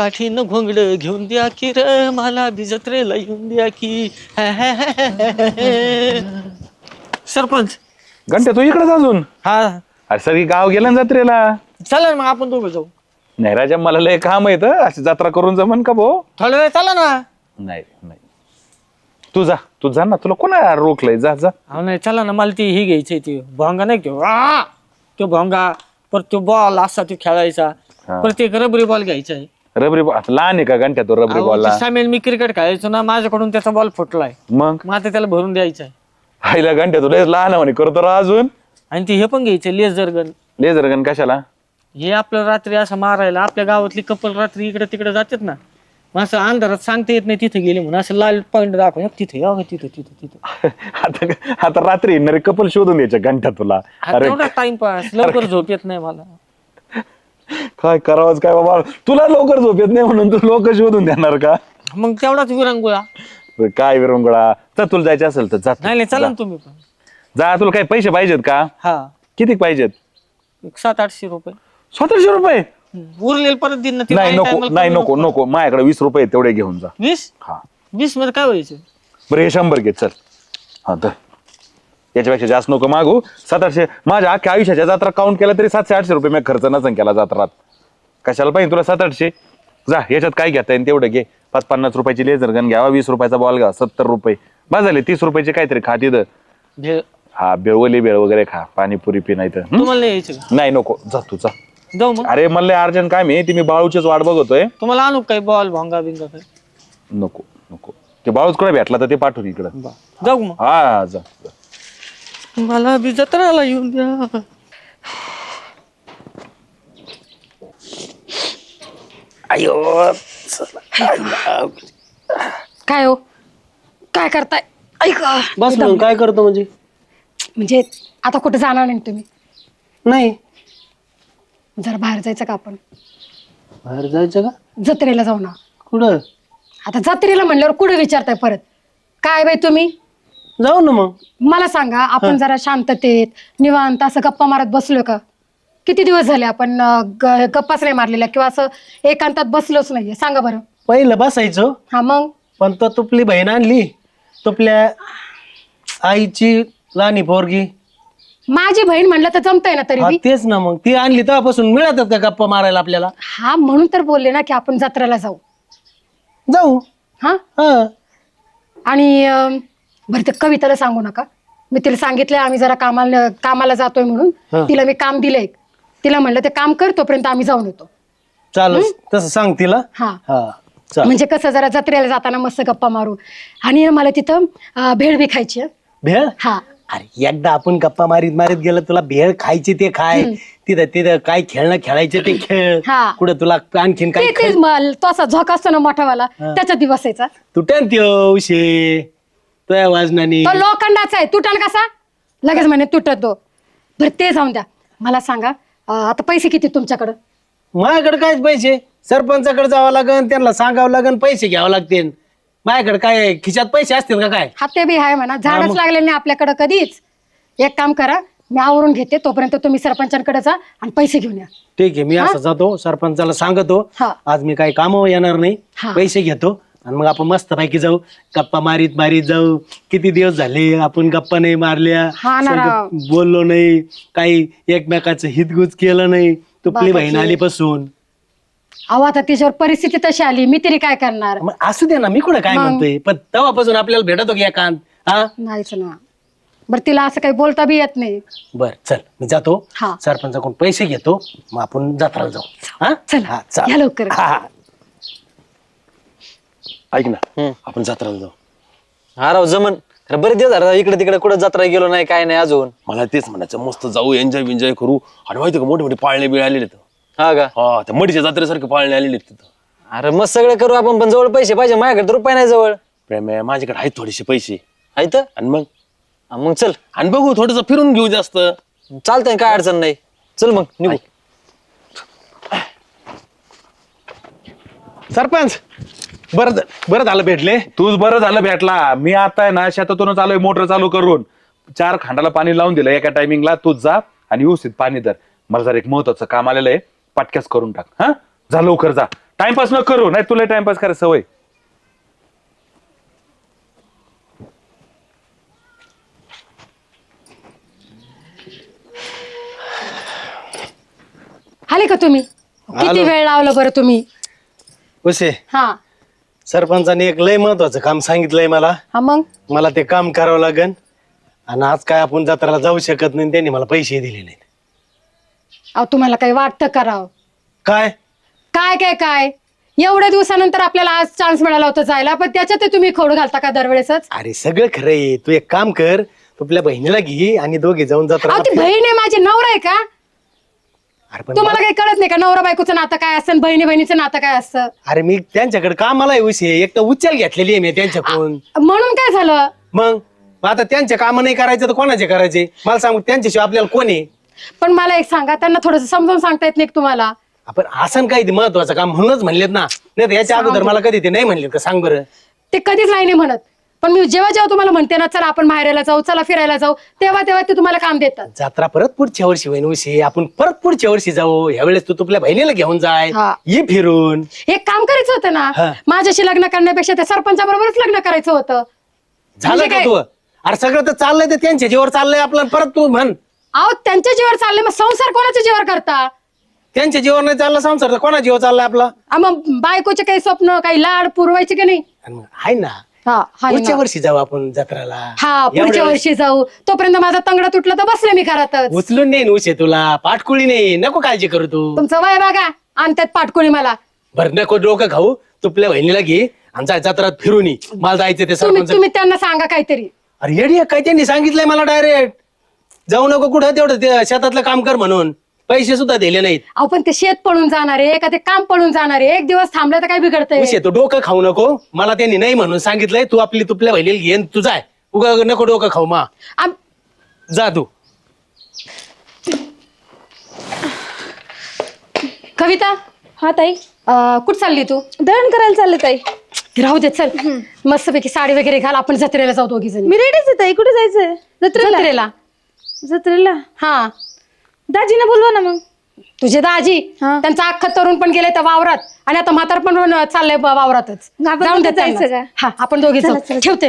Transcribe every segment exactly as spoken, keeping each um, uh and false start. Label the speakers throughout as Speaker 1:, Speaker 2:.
Speaker 1: काठीनं घोंगड घेऊन द्या की र मला बी जत्रेला येऊन द्या की. सरपंच
Speaker 2: घंटे तू इकडेच अजून?
Speaker 1: हा
Speaker 2: अरे सगळी गाव गेलं ना जत्रेला.
Speaker 1: चला ना मग आपण दोघं जाऊ.
Speaker 2: नाही राजा, मला लय काम येत अशी जत्रा करून जमन का भाऊ?
Speaker 1: थोड्या वेळ चला ना.
Speaker 2: नाही नाही, तू जा तू जा ना, तुला कोणा रोखलंय? जा जा.
Speaker 1: अहो नाही चला ना, मला ती ही घ्यायची ती भोंगा नाही घेऊ तो भोंगा, परत तो बॉल असा तो खेळायचा,
Speaker 2: हा.
Speaker 1: परत एक रबरी बॉल घ्यायचा आहे.
Speaker 2: रबरी बॉल लहान आहे का घंट्या तो रबरी बॉलला?
Speaker 1: सामील मी क्रिकेट खेळायचो ना, माझ्याकडून त्याचा बॉल फुटलाय,
Speaker 2: मग
Speaker 1: मग आता त्याला भरून द्यायचा आहे.
Speaker 2: आईला घंट्या तू लय लहान म्हणे करतो रा अजून.
Speaker 1: आणि ती हे पण घ्यायचे लेझर गन.
Speaker 2: लेझर गन कशाला?
Speaker 1: हे आपलं रात्री असं मारायला, आपल्या गावातली कपल रात्री इकडे तिकडे जातात ना, मग असं अंधारात सांगता येत नाही तिथे गेले म्हणून असं लाल पॉईंट दाखव तिथे अगं तिथे तिथे तिथे.
Speaker 2: आता आता रात्री येणारे कपल शोधून द्यायच्या घंट्या तुला. अरे
Speaker 1: एवढा टाइमपास, लवकर झोप येत नाही मला.
Speaker 2: काय करावंच काय बाबा, तुला लवकर झोप येत नाही म्हणून तू लोक शोधून देणार का?
Speaker 1: मग तेवढाच विरंगुळा.
Speaker 2: काय विरंगुळा, तर तुला जायचं असेल तर जा.
Speaker 1: नाही नाही चला ना तुम्ही पण.
Speaker 2: जा, तुला काही पैसे पाहिजेत का?
Speaker 1: हा
Speaker 2: किती पाहिजेत?
Speaker 1: एक सात आठशे रुपये
Speaker 2: सतराशे रुपये?
Speaker 1: उरलेल परत दिन ना.
Speaker 2: नाही नको नाही नको नको, माझ्याकडे वीस रुपये आहेत, तेवढे घेऊन जा.
Speaker 1: वीस?
Speaker 2: हा
Speaker 1: वीस मध्ये काय व्हायचं?
Speaker 2: बरं हे शंभर घे चल. हा तर याच्यापेक्षा जास्त नको मागू. सतराशे माझ्या अख्ख्या आयुष्याच्या जत्रा काउंट केला तरी सातशे आठशे रुपये मी खर्च नसन केला जत्रात. कशाला पाहिजे तुला सात आठशे? जा, याच्यात काय घेता येईल तेवढं घे. पाच पन्नास रुपयाची लेझर गन घ्यावा, वीस रुपयाचा बॉल घ्या, सत्तर रुपये बस झाले. तीस रुपयाचे काहीतरी खा तिथं.
Speaker 1: भेळ?
Speaker 2: हा बेळवली बेळ वगैरे खा, पाणीपुरी पी. नाही तर
Speaker 1: तुम्हाला नाही यायचं का?
Speaker 2: नाही नको, जा तू जा.
Speaker 1: जाऊ मग.
Speaker 2: अरे मला अर्जंट काय मी ती मी बाळूचीच वाट बघतोय.
Speaker 1: तुम्हाला आणू काय बॉल भोंगा बिंगा काय?
Speaker 2: नको नको, ते बाळूच कडे भेटला तर ते पाठवून इकडं.
Speaker 1: जाऊ मग.
Speaker 2: हा जा जा.
Speaker 1: मला बी जत्राला येऊन द्या.
Speaker 2: अयो
Speaker 3: काय हो, काय करताय? ऐका
Speaker 4: बस मग काय करतो म्हणजे?
Speaker 3: म्हणजे आता कुठे जाणार नाही तुम्ही?
Speaker 4: नाही.
Speaker 3: जरा बाहेर जायचं का आपण?
Speaker 4: बाहेर जायचं का?
Speaker 3: जत्रेला जाऊ ना.
Speaker 4: कुठं?
Speaker 3: आता जत्रेला म्हणल्यावर कुठे विचारताय परत? काय बाई तुम्ही?
Speaker 4: जाऊ ना मग.
Speaker 3: मला सांगा, आपण जरा शांततेत निवांत असं गप्पा मारत बसलो का? किती दिवस झाले आपण अं, ग- गप्पाच नाही मारलेल्या किंवा असं एकांतात बसलोच नाहीये. सांगा बरं.
Speaker 4: पहिलं बसायचो,
Speaker 3: हा मग
Speaker 4: पण तो तुपली बहीण आणली. तुपल्या आईची लहानी पोरगी.
Speaker 3: माझी बहीण म्हणलं तर जमतंय ना तरी
Speaker 4: हा
Speaker 3: बी.
Speaker 4: तेच ना, मग ती आणली तेव्हापासून मिळतात का गप्पा मारायला आपल्याला?
Speaker 3: हा म्हणून तर बोलले ना की आपण जत्रेला जाऊ.
Speaker 4: जाऊ.
Speaker 3: हा
Speaker 4: हा
Speaker 3: आणि अं, बरं ते कविताला सांगू नका. मी तिला सांगितलंय आम्ही जरा कामाला कामाला जातोय म्हणून.
Speaker 4: हा.
Speaker 3: तिला मी काम दिलंय. तिला म्हणलं ते काम कर, तोपर्यंत आम्ही जाऊन येतो.
Speaker 4: चालू तसं सांग तिला.
Speaker 3: हा
Speaker 4: हा चाल.
Speaker 3: म्हणजे कसं जरा जत्रेला जाताना मस्त गप्पा मारू. आणि मला तिथं अं, भेळ बी खायची आहे.
Speaker 4: भेळ?
Speaker 3: हा
Speaker 4: अरे एकदा आपण गप्पा मारीत मारीत गेलं, तुला भेळ खायची ते खाय, तिथं तिथं काय खेळणं खेळायचे ते खेळ.
Speaker 3: हा.
Speaker 4: कुठं तुला आणखीन काय
Speaker 3: ते तेच मल तो असा झोक असतो ना मोठावाला, त्याच्यात दिवस बसायचा.
Speaker 4: तुटन त्यो उशे तुझ्या वाजनाने.
Speaker 3: तो लोखंडाचा आहे, तुटल कसा लगेच म्हणे तुटत तो. बरं ते जाऊन द्या. मला सांगा अं, आता पैसे किती तुमच्याकडं?
Speaker 4: माझ्याकडे कायच पैसे? सरपंचाकडे जावं लागन, त्यांना सांगावं लागन, पैसे घ्यावं लागतील. माझ्याकडे काय खिशात पैसे असतील का काय?
Speaker 3: हा ते बी आहे म्हणा. झाडच लागले नाही आपल्याकडं कधीच. एक काम करा, मी आवरून घेते, तोपर्यंत तुम्ही सरपंचांकडे जा आणि पैसे घेऊन या.
Speaker 4: ठीक आहे, मी असं जातो सरपंचाला सांगतो
Speaker 3: हा.
Speaker 4: आज मी काही कामावर येणार नाही,
Speaker 3: हा.
Speaker 4: पैसे घेतो आणि मग आपण मस्त पैकी जाऊ, गप्पा मारीत मारीत जाऊ. किती दिवस झाले आपण गप्पा नाही मारल्या,
Speaker 3: हा ना राव.
Speaker 4: संग बोललो नाही, काही एकमेकाचं हितगुज केलं नाही. तुपली बहीण
Speaker 3: बाबाची.
Speaker 4: आलीपासून.
Speaker 3: अहो आता तिच्यावर परिस्थिती तशी आली, मी तरी काय करणार?
Speaker 4: मग असू दे ना, मी कुठं काय
Speaker 3: मग.
Speaker 4: म्हणतोय, पण तेव्हापासून आपल्याला भेटतो की एकांत. हा
Speaker 3: नाहीच ना. बरं तिला असं काही बोलता बी येत नाही.
Speaker 4: बर चल, मी जातो
Speaker 3: हा.
Speaker 4: सरपंचाकडून पैसे घेतो, मग आपण जत्राला जाऊ. हा
Speaker 3: चला,
Speaker 4: हा, चाल.
Speaker 3: या लवकर.
Speaker 4: हा, हा. ऐक ना, आपण जत्राला जाऊ.
Speaker 1: हा राव जमन. अरे बरेच दिवस झाले इकडे तिकडे कुठं जत्रा गेलो नाही, काय नाही अजून.
Speaker 5: मला तेच म्हणायचं, मस्त जाऊ, एन्जॉय बिन्जॉय करू. आणि माहिती का, मोठे मोठे पाळणे बिळ आलेले आहेत.
Speaker 1: हा का?
Speaker 5: हा, त्या मडीच्या जत्रेसारखे पाळणे आलेले आहेत तिथं.
Speaker 1: अरे मग सगळं करू आपण, पण जवळ पैसे पाहिजे. माझ्याकडे तर रुपये नाही जवळ.
Speaker 5: प्रेम आहे, माझ्याकडे आहेत थोडेसे पैसे.
Speaker 1: आहेत.
Speaker 5: आणि मग
Speaker 1: मग चल,
Speaker 5: आणि बघू थोडस फिरून घेऊ जास्त.
Speaker 1: चालतंय, काय अडचण नाही. चल मग निघू.
Speaker 4: सरपंच बरं बरं झालं भेटले.
Speaker 2: तूच बरं झालं भेटला. मी आता आहे ना शेतातूनच आलोय मोटर चालू करून. चार खांडाला पाणी लावून दिलं एका टायमिंगला. तूच जा आणि व्यवस्थित पाणी धर. मला जर एक महत्वाचं काम आलेलं आहे, पटक्यास करून टाक. हा जा लवकर जा. टाइमपास न करू नाही तुला टाइमपास करायची सवय.
Speaker 3: आले का तुम्ही? किती
Speaker 4: आलो.
Speaker 3: वेळ लावलं बरं तुम्ही?
Speaker 4: उशे
Speaker 3: हा
Speaker 4: सरपंचाने एक लय महत्वाचं काम सांगितलंय मला.
Speaker 3: हा मग
Speaker 4: मला ते काम करावं लागेल आणि आज काय आपण जत्राला जाऊ शकत नाही त्यांनी मला पैसे दिले नाहीत.
Speaker 3: अहो तुम्हाला काही वाटतं करावं?
Speaker 4: काय
Speaker 3: काय काय काय एवढ्या दिवसानंतर आपल्याला आज चान्स मिळाला होता जायला, पण त्याच्यात तुम्ही खोड घालता का दरवेळेसच?
Speaker 4: अरे सगळं खरं आहे. तू एक काम कर, तू आपल्या बहिणीला घे आणि दोघे जाऊन जत्रा.
Speaker 3: अहो ती बहीण आहे माझी, नवरा आहे का?
Speaker 4: अरे पण
Speaker 3: तुम्हाला काही कळत नाही का नवरा बायकोचं नातं काय असतं, बहिणी बहिणीचं नातं काय असतं?
Speaker 4: अरे मी त्यांच्याकडे कामाला आहे उशे, एक तर उचल घेतलेली आहे मी त्यांच्याकडून.
Speaker 3: म्हणून काय झालं?
Speaker 4: मग मग आता त्यांचे काम नाही करायचे तर कोणाचे करायचे मला सांग. त्यांच्याशिवाय आपल्याला कोण आहे?
Speaker 3: पण मला एक सांगा, त्यांना थोडस समजावून सांगता येत नाही का तुम्हाला?
Speaker 4: आपण असं काही महत्वाचं काम म्हणूनच म्हणलेत ना, नाही तर याच्या अगोदर मला कधी ते नाही म्हणलेत का सांग बरं.
Speaker 3: ते कधीच नाही नाही म्हणत, पण मी जेव्हा जेव्हा तुम्हाला म्हणते ना चला आपण माहेराला जाऊ, चला फिरायला जाऊ, तेव्हा तेव्हा ते तुम्हाला काम देतात.
Speaker 4: जत्रा परत पुढच्या वर्षी होईन उशी, आपण परत पुढच्या वर्षी जाऊ. यावेळेस तू तुझ्या बहिणीला घेऊन जाय,
Speaker 3: हा.
Speaker 4: ये फिरून.
Speaker 3: एक काम करायचं होतं ना,
Speaker 4: हा.
Speaker 3: माझ्याशी लग्न करण्यापेक्षा त्या सरपंचाबरोबरच लग्न करायचं होतं.
Speaker 4: झालं
Speaker 3: म्हणजे
Speaker 4: का
Speaker 3: काय?
Speaker 4: तू? अरे सगळं तर चाललंय तर त्यांच्या जीवर चाललंय आपलं. परत तू म्हण
Speaker 3: अहो त्यांच्या जीवावर चालले, मग संसार कोणाच्या जीवावर करता?
Speaker 4: त्यांच्या जीवर नाही चालला संसार तर कोणा जीवर चाललाय आपला?
Speaker 3: आ, मग बायकोचे काही स्वप्न, काही लाड पुरवायचे की नाही?
Speaker 4: आणि मग आहे ना,
Speaker 3: हा हाय
Speaker 4: पुढच्या
Speaker 3: ना.
Speaker 4: वर्षी जाऊ आपण जत्राला.
Speaker 3: हा पुढच्या
Speaker 4: एवढ्या वेळेस
Speaker 3: वर्षी जाऊ. तोपर्यंत माझा तंगडा तुटला तर बसले मी घरातच.
Speaker 4: उचलून नाही उशे तुला, पाठकुळी नाही, नको काळजी करू तू.
Speaker 3: तुमचं वय बघा आणि त्यात पाटकोणी मला.
Speaker 4: बरं नको डोकं खाऊ, तुपल्या बहिणीला घे आणि जा जत्रात फिरून ये. मला जायचं ते
Speaker 3: तुम्ही
Speaker 4: सरपंच.
Speaker 3: तुम्ही त्यांना सांगा काहीतरी.
Speaker 4: अरे येडी आहे काय, त्यांनी सांगितलंय मला डायरेक्ट जाऊ नको कुठं, तेवढं ते शेतातलं काम कर म्हणून. पैसे सुद्धा दिले नाहीत.
Speaker 3: अहो पण ते शेत पळून जाणार आहे का ते काम पळून जाणार आहे? एक दिवस थांबलं तर काय बिघडतंय?
Speaker 4: उशे तू डोकं खाऊ नको, मला त्यांनी नाही म्हणून सांगितलंय. तू आपली तुपल्या बहिणीला घेन तू जाय, उगा नको डोकं खाऊ. मा
Speaker 3: आम-
Speaker 4: जा तू.
Speaker 3: कविता,
Speaker 6: हा ताई,
Speaker 3: अं, कुठं चालली तू?
Speaker 6: दळण करायला चालले ताई.
Speaker 3: राहू दे चल, मस्तपैकी साडी वगैरे घाल, आपण जत्रेला जाऊ दोघी जणी.
Speaker 6: मी रेडीच आहे ताई. कुठे जायचंय? जत्रेला.
Speaker 3: जत्रेला
Speaker 6: जत्रेला
Speaker 3: हा.
Speaker 6: दाजीने बोलवा ना मग.
Speaker 3: तुझे दाजी
Speaker 6: हा.
Speaker 3: त्यांचा अख्खा तरुण पण गेले त्या वावरात आणि आता म्हातार पण चाललंय ब- वावरातच.
Speaker 6: आपण
Speaker 3: जाऊन दे
Speaker 6: दोघी जायचं
Speaker 3: त्यांना.
Speaker 6: का?
Speaker 3: हा आपण दोघी
Speaker 6: चला,
Speaker 3: जाऊ.
Speaker 6: चला.
Speaker 3: ठेवते.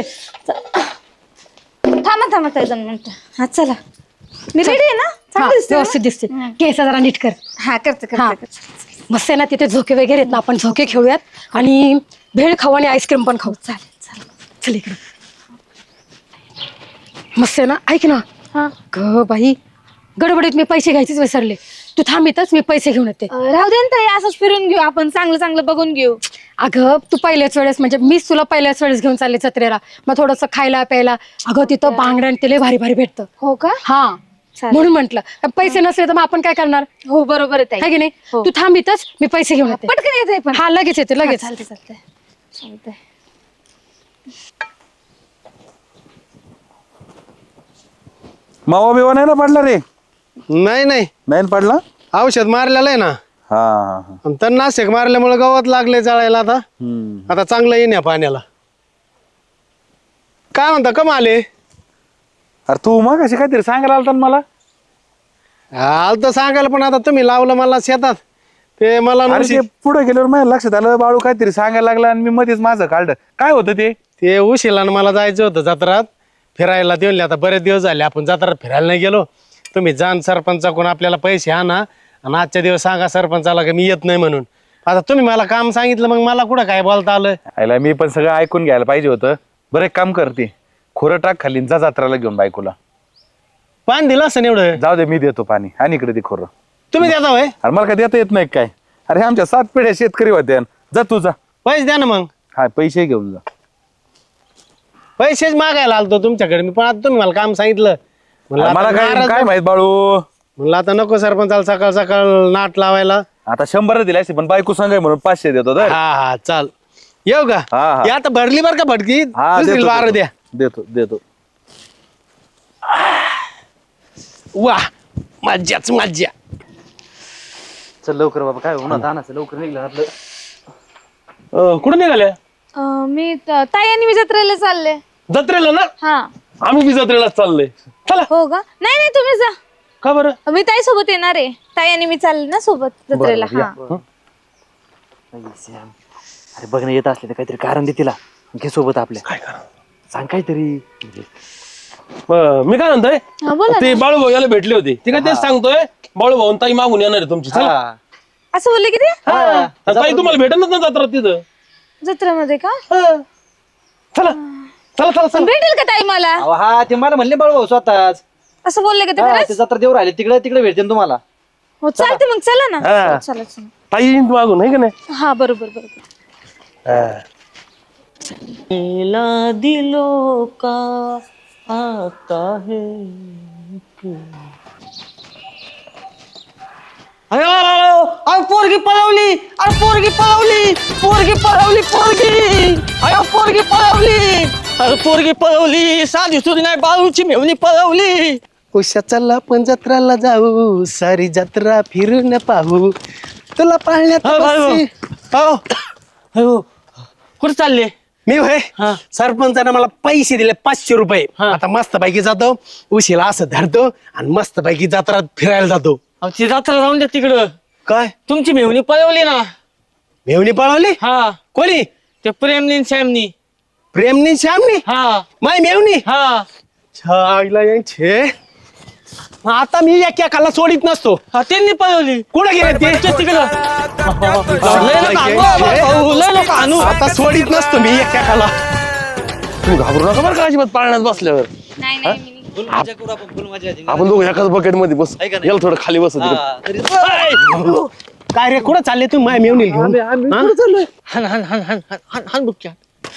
Speaker 6: थांबा थांबा ताई दोन मिनिटं. हा चला, मी रेडी आहे ना?
Speaker 3: हा,
Speaker 6: चांगली दिसते ना?
Speaker 3: व्यवस्थित दिसते. केस जरा नीट कर.
Speaker 6: हा करते
Speaker 3: हा.
Speaker 6: करते करते.
Speaker 3: मस्त आहे ना, तिथे झोके वगैरे आहेत ना, आपण झोके खेळूयात आणि भेळ खाऊ आणि आईस्क्रीम पण खाऊ.
Speaker 6: चालेल चालेल.
Speaker 3: चल इकडे. मस्त आहे ना, ऐक ना.
Speaker 6: हा.
Speaker 3: ग बाई, गडबडीत मी पैसे घ्यायचेच विसरले. तू थांब इथंच, मी पैसे घेऊन येते.
Speaker 6: अं, राहू दे ना ताई, असंच फिरून घेऊ आपण, चांगलं चांगलं बघून घेऊ.
Speaker 3: अगं तू पहिल्याच वेळेस म्हणजे मीच तुला पहिल्याच वेळेस घेऊन चालले जत्रेला, मग थोडंसं खायला प्यायला. अगं तिथं बांगड्या आणि ते लय भारी भारी भेटतं.
Speaker 6: हो का?
Speaker 3: हा
Speaker 6: चालेल.
Speaker 3: म्हणून म्हंटल, पैसे नसले तर मग आपण काय करणार?
Speaker 6: हो बरोबर आहे
Speaker 3: है
Speaker 6: ताई.
Speaker 3: की नाही?
Speaker 6: हो.
Speaker 3: तू थांब इथंच, मी पैसे घेऊन येते.
Speaker 6: पटकन येते पण.
Speaker 3: हा लगेच येते लगेच.
Speaker 6: चालते चालते चालते.
Speaker 2: मावा बिवा नाही ना पडला रे?
Speaker 4: नाही नाही,
Speaker 2: नाही ना पडला?
Speaker 4: औषध मारलेलं आहे ना,
Speaker 2: हा हा हा.
Speaker 4: आणि तणनाशक मारल्यामुळे गवत लागले जाळायला. आता
Speaker 2: हम्म.
Speaker 4: आता चांगलं येईन या पाण्याला. काय म्हणता, कम आले?
Speaker 2: अरे तू मग कशी काहीतरी सांगायला आलता ना मला.
Speaker 4: आल तर सांगायला, पण आता तुम्ही लावलं मला शेतात ते मला
Speaker 2: अरे
Speaker 4: नवशी-
Speaker 2: ते पुढे गेल्यावर माझ्या लक्षात आलं बाळू काहीतरी सांगायला लागला आणि मी मध्येच माझं काढलं. काय होतं ते?
Speaker 4: ते उशिला मला जायचं होतं जत्रात फिरायला. देऊन आता बरेच दिवस झाले आपण जत्रात फिरायला नाही गेलो. तुम्ही जाण सरपंचाकडून आपल्याला पैसे आणा आणि आजच्या दिवस सांगा सरपंचाला की मी येत नाही म्हणून. आता तुम्ही मला काम सांगितलं, मग मला कुठं काय बोलता आलं?
Speaker 2: आयला मी पण सगळं ऐकून घ्यायला पाहिजे होतं. बरं एक काम करते, खोरं टाक खाली आणि जा जत्राला घेऊन बायकोला.
Speaker 4: पाणी दिलं असं एवढं?
Speaker 2: जाऊ दे, मी देतो पाणी. आणि इकडे दे खोरं.
Speaker 4: तुम्ही देता होय?
Speaker 2: अरे मला काय देता येत नाही काय? अरे आमच्या सात पिढ्या शेतकरी होत्या. जा तू जा.
Speaker 4: पैसे द्या ना मग.
Speaker 2: हा पैसे घेऊन जा.
Speaker 4: पैसेच मागायला आलतो तुमच्याकडे मी, पण आता तुम्ही मला काम सांगितलं. म्हणलं
Speaker 2: मला
Speaker 4: आता
Speaker 2: काय
Speaker 4: नाराज
Speaker 2: काय
Speaker 4: नको-
Speaker 2: माहित बाळू.
Speaker 4: म्हणलं आता नको सरपंचाला सकाळ सकाळ नाट लावायला.
Speaker 2: आता शंभर दिले असते, पण बायको सांगाय म्हणून पाचशे देतो तर.
Speaker 4: हा हा चाल, येऊ का?
Speaker 2: हा, हा.
Speaker 4: हे आता भरली बर का फटकी?
Speaker 2: हा
Speaker 4: दुसरी
Speaker 2: देतो,
Speaker 4: बारा
Speaker 2: देतो.
Speaker 4: द्या.
Speaker 2: देतो देतो.
Speaker 4: वा मज्जाच मज्जा.
Speaker 1: चल लवकर बाबा, काय होणार आणायचं लवकर निघलं आपलं.
Speaker 4: अं, कुठं निघाले?
Speaker 6: अं, मी त- ताई आणि मी जत्रेला चालले.
Speaker 4: जत्रेला ना?
Speaker 6: हा.
Speaker 4: आम्ही बी जत्रेला चाललोय. चला.
Speaker 6: हो का? नाही नाही तुम्ही जा.
Speaker 4: का बरं?
Speaker 6: मी ताई सोबत येणार आहे. ताई आणि मी चालले ना सोबत जत्रेला. हा.
Speaker 7: अरे बघ ना येत असले तर काहीतरी कारण दे तिला घे सोबत आपल्या.
Speaker 5: काय करा
Speaker 7: सांग काहीतरी.
Speaker 5: मी काय म्हणतोय
Speaker 6: हा बोला
Speaker 5: ते बाळूभाऊ याला भेटले होते ते काय तेच सांगतोय बाळूभाऊ आणि ताई मागून येणार आहे तुमची चला
Speaker 7: हा.
Speaker 6: असं बोलले की ते
Speaker 5: हा. ताई तुम्हाला भेटतच ना जत्रा तिथं
Speaker 6: जत्रेमध्ये का
Speaker 5: चला चला चला
Speaker 6: पण
Speaker 5: चला
Speaker 6: भेटेल का ताई मला
Speaker 7: अहो, हा ते मला म्हणले बाळू स्वतःच.
Speaker 6: असं बोलले का ते
Speaker 7: हा,
Speaker 6: खरंच?
Speaker 7: ते जत्रा देऊ राहिले तिकडे तिकडे भेटते तुम्हाला.
Speaker 6: हो चालते मग चला ना
Speaker 5: हा.
Speaker 6: हो, चला चला
Speaker 5: ताई येईन मागून आहे का नाही
Speaker 6: हा बरोबर बरोबर
Speaker 5: हा.
Speaker 1: मेला दिलो का आता है अरे अरे पोरगी पळवली अरे पोरगी पळवली पोरगी पळवली पोरगी अरे पोरगी पळवली अरे पोरगी पळवली साधी सुधी नाही बाळूची मेवणी पळवली.
Speaker 4: उशा चला पण जत्राला जाऊ सारी जत्रा फिरून पाहू तुला पाळण्यात
Speaker 1: हो, बाळू.
Speaker 4: बसी- हो
Speaker 1: अयो कुठे चालले?
Speaker 4: मी होय
Speaker 1: हा.
Speaker 4: सरपंचाने मला पैसे दिले पाचशे रुपये.
Speaker 1: हा.
Speaker 4: आता मस्त पैकी जातो उशीला असं धरतो आणि मस्त पैकी जत्रात फिरायला जातो.
Speaker 1: अहो, ती जत्रा जाऊन द्या तिकडं.
Speaker 4: काय
Speaker 1: तुमची मेवणी पळवली ना.
Speaker 4: मेवणी पळवली
Speaker 1: हा
Speaker 4: कोणी
Speaker 1: ते प्रेमनी न श्यामनी.
Speaker 4: प्रेमनी श्यामनी
Speaker 1: हा
Speaker 4: माय मेवणी
Speaker 1: हा
Speaker 4: छाईला यांचे. मग आता मी एकाला सोडित नसतो.
Speaker 1: हा त्यांनी पळवली.
Speaker 4: कुठं गेले ते
Speaker 1: ते तिकडं लय नका आणू, बाबा, भाऊ, लय नका आणू.
Speaker 4: आता सोडित नसतो मी एकाला.
Speaker 5: तुम्ही घाबरू नका बरं का अजिबात पाळण्यात बसल्यावर
Speaker 6: नाही नाही मी
Speaker 7: फुल मजा करू आपण फुल मजा येते.
Speaker 5: आपण दोघं एकाच बकेट मध्ये बस
Speaker 7: आहे का नाही?
Speaker 5: याला थोडं खाली बस
Speaker 7: हा, तरी-
Speaker 4: काय रे कुठं चालले तुम्ही माय मेवणी घेऊन हा?
Speaker 1: हन हन हन हन हन हन हन बुक्या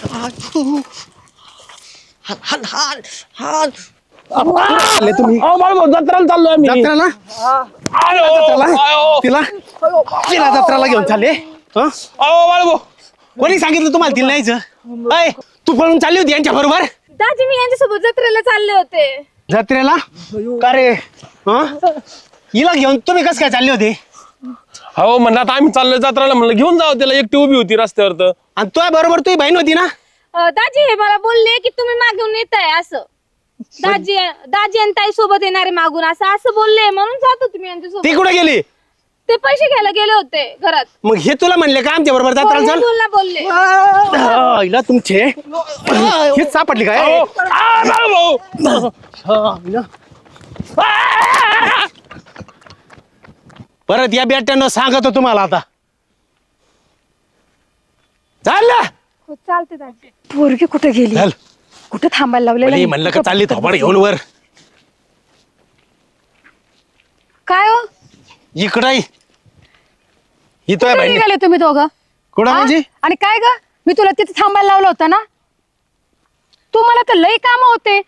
Speaker 1: हन हन हन हन
Speaker 4: चालले तुम्ही
Speaker 5: अहो, बाळूभाऊ, जत्राला चाललोय आम्ही
Speaker 4: जत्राला
Speaker 5: आयो,
Speaker 4: जत्राला
Speaker 5: आयो.
Speaker 4: तिला तिला जत्राला घेऊन चालले हं?
Speaker 5: अहो, बाळूभाऊ.
Speaker 4: कोणी सांगितलं तुम्हाला तिला नाहीच अय तू पळून चालली होती यांच्या बरोबर
Speaker 6: दाजी मी यांच्यासोबत जत्रेला चालले होते.
Speaker 4: जत्रेला का रे हं? हिला घेऊन तुम्ही कस काय चालले होते
Speaker 5: हो म्हणलं आता आम्ही चाललोय जत्राला म्हणलं घेऊन जाऊ त्याला एकटी उभी होती रस्त्यावर तर
Speaker 4: आणि तुझ्या बरोबर तुझी बहीण होती ना
Speaker 6: अं, दाजी हे मला बोलले की तुम्ही मागून येताय असं दाजी दाजी आणि ताई सोबत येणारे मागून असं असं बोलले म्हणून जात होते मी
Speaker 4: ती
Speaker 6: यांच्यासोबत.
Speaker 4: कुठे गेली
Speaker 6: ते पैसे घ्यायला गेले होते घरात.
Speaker 4: मग हे तुला म्हणले का आमच्या बरोबर
Speaker 6: हो,
Speaker 4: जत्राला
Speaker 6: हे
Speaker 4: चल
Speaker 6: बोलला बोलले
Speaker 4: हा, हिला तुमचे हेच सापडली काय
Speaker 5: अहो, आ, बाळूभाऊ.
Speaker 4: हा, हिला. परत या बेट्यानं सांगतो तुम्हाला आता चालला
Speaker 6: हो चालते दाजी.
Speaker 3: पोरगी कुठे गेली
Speaker 4: चल
Speaker 3: कुठे थांबायला लावलेलं
Speaker 4: भले
Speaker 3: आहे?
Speaker 4: म्हणलं का चालली थोबाड घेऊन वर
Speaker 3: काय हो
Speaker 4: इकडं ये. इथं
Speaker 3: कुठे
Speaker 4: बहिणी
Speaker 3: निघाले तुम्ही दोघं?
Speaker 4: कुठं
Speaker 3: हा?
Speaker 4: म्हणजे
Speaker 3: आणि काय ग मी तुला तिथे थांबायला लावलं होतं ना तुम्हाला तर लई काम होते.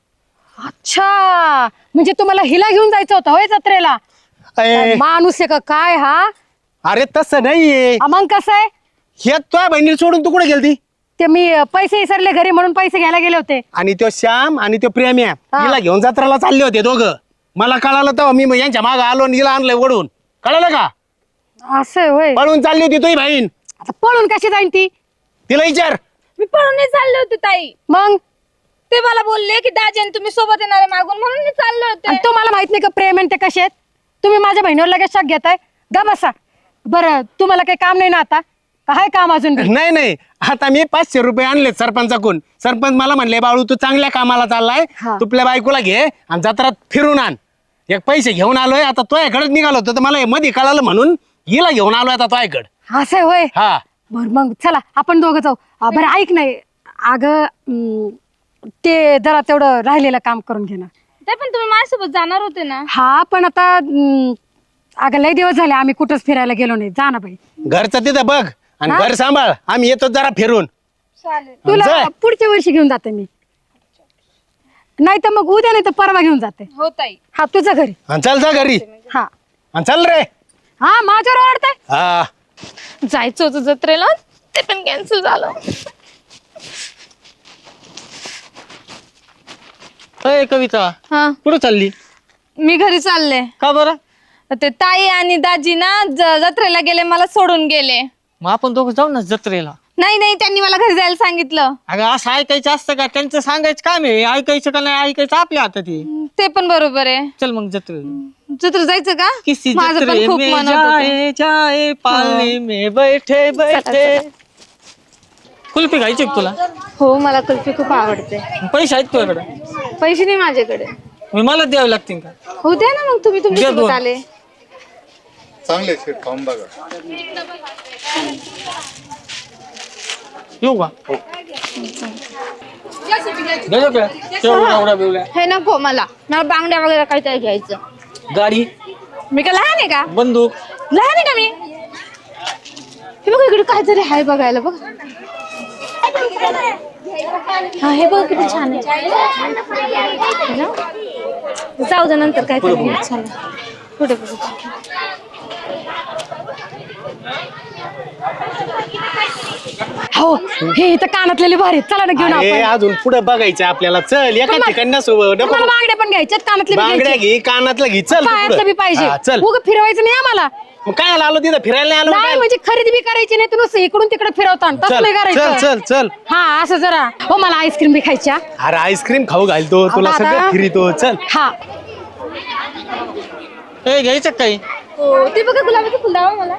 Speaker 3: अच्छा म्हणजे तुम्हाला हिला घेऊन जायचं होतं होय जत्रेला?
Speaker 4: अय,
Speaker 3: माणूस आहे का काय हा?
Speaker 4: अरे तसं नाहीये
Speaker 3: आ, मग कसं आहे
Speaker 4: हे तुझ्या बहिणीला सोडून तू कुठे गेलती
Speaker 3: ते मी अ, पैसे विसरले घरी म्हणून पैसे घ्यायला गेले होते.
Speaker 4: आणि तो श्याम आणि तो प्रेम्या
Speaker 3: हा.
Speaker 4: हिला घेऊन जत्राला चालले होते दोघं. मला कळालं तेव्हा मी मग यांच्या मागं आलो आणि हिला आणलंय ओढून. कळालं का
Speaker 3: असं आहे होय.
Speaker 4: पळून चालली होती तुझी बहीण.
Speaker 3: आता पळून कशी जाईन ती?
Speaker 4: तिला विचार
Speaker 6: मी पळून नाही चालले होते ताई.
Speaker 3: मग
Speaker 6: ते मला बोलले की दाजी आणि तुम्ही सोबत येणारे मागून म्हणून मी चालले
Speaker 3: आणि
Speaker 6: होते.
Speaker 3: तुम्हाला माहित नाही का प्रेम आणि ते कसे आहेत? तुम्ही माझ्या बहिणीवर लगेच शक घेताय. गा बसा बरं तुम्हाला काही काम नाही ना आता? काय काम अजून बी?
Speaker 4: नाही नाही आता मी पाचशे रुपये आणले सरपंचाकडून. सरपंच मला म्हणले बाळू तू चांगल्या कामाला चाललाय
Speaker 3: हा.
Speaker 4: तुपल्या बायकोला घे आणि जत्रात फिरून आण. एक पैसे घेऊन आलोय आता तो याकडे निघालो होतो तर मला हे मध्ये कळालं म्हणून हिला घेऊन आलोय आता तो याकडे.
Speaker 3: असं आहे होय.
Speaker 4: हा
Speaker 3: बर मग चला आपण दोघं जाऊ. अ, बरं ऐक नाही अगं अं, ते जरा तेवढं राहिलेलं काम करून घे ना.
Speaker 6: ते पण तुम्ही माझ्यासोबत जाणार होते ना.
Speaker 3: हा पण आता अं, अगं लय दिवस झाले आम्ही कुठंच फिरायला गेलो नाही. जा ना बाई.
Speaker 4: घरचं तिथं बघ आणि
Speaker 3: हा?
Speaker 4: घर सांभाळ आम्ही येतो जरा फिरून.
Speaker 6: चालेल.
Speaker 3: तुला
Speaker 4: जाय.
Speaker 3: पुढच्या वर्षी घेऊन जाते मी नाही तर मग उद्या नाही तर परवा घेऊन जाते.
Speaker 6: हो ताई.
Speaker 3: हा तुझ्या घरी.
Speaker 4: आणि चल जा घरी
Speaker 3: हा
Speaker 4: आणि चल रे.
Speaker 3: हा माझ्यावर ओरडताय.
Speaker 4: हा
Speaker 6: जायचं होतं जत्रेला ते पण कॅन्सल झालं.
Speaker 1: अय कविता
Speaker 6: हा
Speaker 1: कुठं चालली?
Speaker 6: मी घरी चालले.
Speaker 1: का बरं?
Speaker 6: ते ताई आणि दाजी ना ज- जत्रेला गेले मला सोडून गेले.
Speaker 1: मग आपण दोघं जाऊ ना जत्रेला.
Speaker 6: नाही नाही त्यांनी मला घरी जायला सांगितलं.
Speaker 1: अगं असं ऐकायचं असतं का? त्यांचं सांगायचं काम आहे. ऐकायचं का नाही ऐकायचं आपल्या हातात आहे.
Speaker 6: ते पण बरोबर आहे.
Speaker 1: चल मग जत्रेला.
Speaker 6: जत्रा जायचं का
Speaker 1: किसी
Speaker 6: माझं पण
Speaker 1: जत्रे
Speaker 6: खूप
Speaker 1: में
Speaker 6: मन होतं.
Speaker 1: जाए जाए पालने में बैठे बैठे. कुल्फी खायची का तुला?
Speaker 6: हो मला कुल्फी खूप आवडते.
Speaker 1: पैसे आहेत तुझ्याकडे?
Speaker 6: पैसे नाही माझ्याकडे.
Speaker 1: मी मला द्यावे लागतील का?
Speaker 6: हो द्या ना मग तुम्ही
Speaker 1: द्या
Speaker 6: तुमच्यासोबत
Speaker 1: दोन.
Speaker 6: आले.
Speaker 1: येऊ का? द्यायचं का? शेवड्या एवढ्या बिवड्या.
Speaker 6: हे नको मला मला बांगड्या वगैरे काहीतरी घ्यायचं.
Speaker 1: गाडी,
Speaker 6: मी का लहान आहे का?
Speaker 1: बंदूक.
Speaker 6: लहान आहे का मी? हे बघ इकडे काहीतरी आहे बघायला बघ. हा हे बघ किती छान आहे. है ना? जाऊ दे नंतर काहीतरी घेऊ. चला पुढे बघू.
Speaker 3: हो हे इथं कानातलेले भारी आहेत. चला ना घेऊन
Speaker 4: अरे,
Speaker 3: आपण.
Speaker 4: अजून पुढे बघायचं आपल्याला. चल एका
Speaker 3: तुम्हा-
Speaker 4: ठिकाणी सोबत
Speaker 3: तुम्हाला बांगड्या पण घ्यायच्यात, कानातले बी
Speaker 4: बांगड्या
Speaker 3: घ्यायचे.
Speaker 4: घे, कानातलं घे, चल तू
Speaker 3: पायातलं
Speaker 4: पुढं.
Speaker 3: बी पाहिजे.
Speaker 4: हा, चल
Speaker 3: उगाच फिरवायचं नाही आम्हाला.
Speaker 4: मग काय आलो तिथं फिरायला नाही आलो
Speaker 3: नाही
Speaker 4: काय?
Speaker 3: म्हणजे खरेदी बी करायची नाही, तुम्ही इकडून तिकडे फिरवता
Speaker 4: चल
Speaker 3: तसं नाही
Speaker 4: चल
Speaker 3: करायचं.
Speaker 4: चल चल
Speaker 3: हा असं जरा. हो मला आईस्क्रीम बी खायच्या.
Speaker 4: अरे आईस्क्रीम खाऊ घालतो तुला
Speaker 3: दादा.
Speaker 4: सगळं फिरितो. चल
Speaker 3: हा
Speaker 1: ए घ्यायचं का काही?
Speaker 6: हो ते बघा गुलाबाचं फुल दावा मला.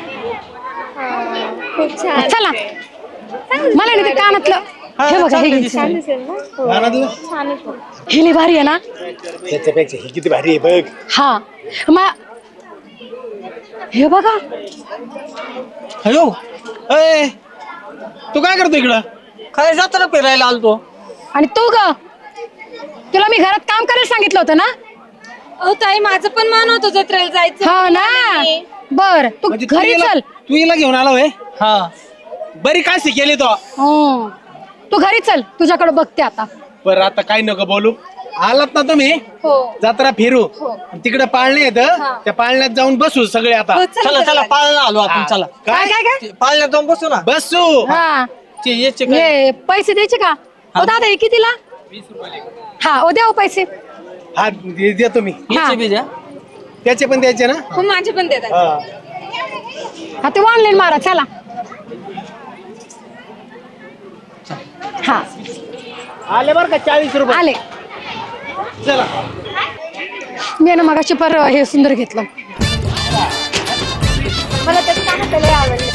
Speaker 6: खूप छान.
Speaker 3: चला मला नाही ते कानातलं हे बघा हे घ्यायचं.
Speaker 6: छान दिसेल ना? हो.
Speaker 4: कानातलं?
Speaker 6: छान आहे फुल.
Speaker 3: हे लय भारी आहे ना.
Speaker 4: त्याच्यापेक्षा हे किती भारी आहे बघ.
Speaker 3: हा मा- हे बघा
Speaker 1: हॅलो,
Speaker 4: अय, तू काय करतो इकडं?
Speaker 1: काय जत्रा फिरायला आलतो.
Speaker 3: आणि तू ग तुला मी घरात काम करायला सांगितलं होतं ना.
Speaker 6: अहो ताई माझं पण मन होतं जत्रेला जायचं.
Speaker 3: हा ना बर तू
Speaker 4: म्हणजे तू
Speaker 3: घरी
Speaker 4: हिला-
Speaker 3: चल.
Speaker 4: तू हिला घेऊन आला होय?
Speaker 1: हा
Speaker 4: बरी काय शिकेली तो.
Speaker 3: हं. तू घरी चल तुझ्याकडे बघते आता.
Speaker 4: बरं आता काय नको बोलू. आलात ना तुम्ही
Speaker 6: हो.
Speaker 4: जत्रा फिरू तिकडे पाळणे येत त्या पाळण्यात जाऊन बसू सगळे आता.
Speaker 6: हो, चला,
Speaker 1: चला चला पाळणा आलो आपण.
Speaker 4: हा.
Speaker 1: चला
Speaker 3: काय काय काय
Speaker 1: ते पाळण्यात जाऊन बसू ना.
Speaker 4: बसू.
Speaker 3: हा
Speaker 1: ते याचे काय?
Speaker 3: हे पैसे द्यायचे का? ओ दादा हे कितीला? हा ओ द्या ओ पैसे.
Speaker 4: हा दे- देतो मी.
Speaker 1: याचे बी द्या.
Speaker 4: त्याचे पण द्यायचे ना.
Speaker 6: हो माझे पण देतात.
Speaker 4: हा.
Speaker 3: हा ते ऑनलाईन मारा चला. हा
Speaker 4: आले बरं का चाळीस रुपये.
Speaker 3: आले.
Speaker 4: चला
Speaker 3: मी ना मगाशी पर हे सुंदर घेतलं.
Speaker 6: मला त्याचं कानातलं लय आवडलं.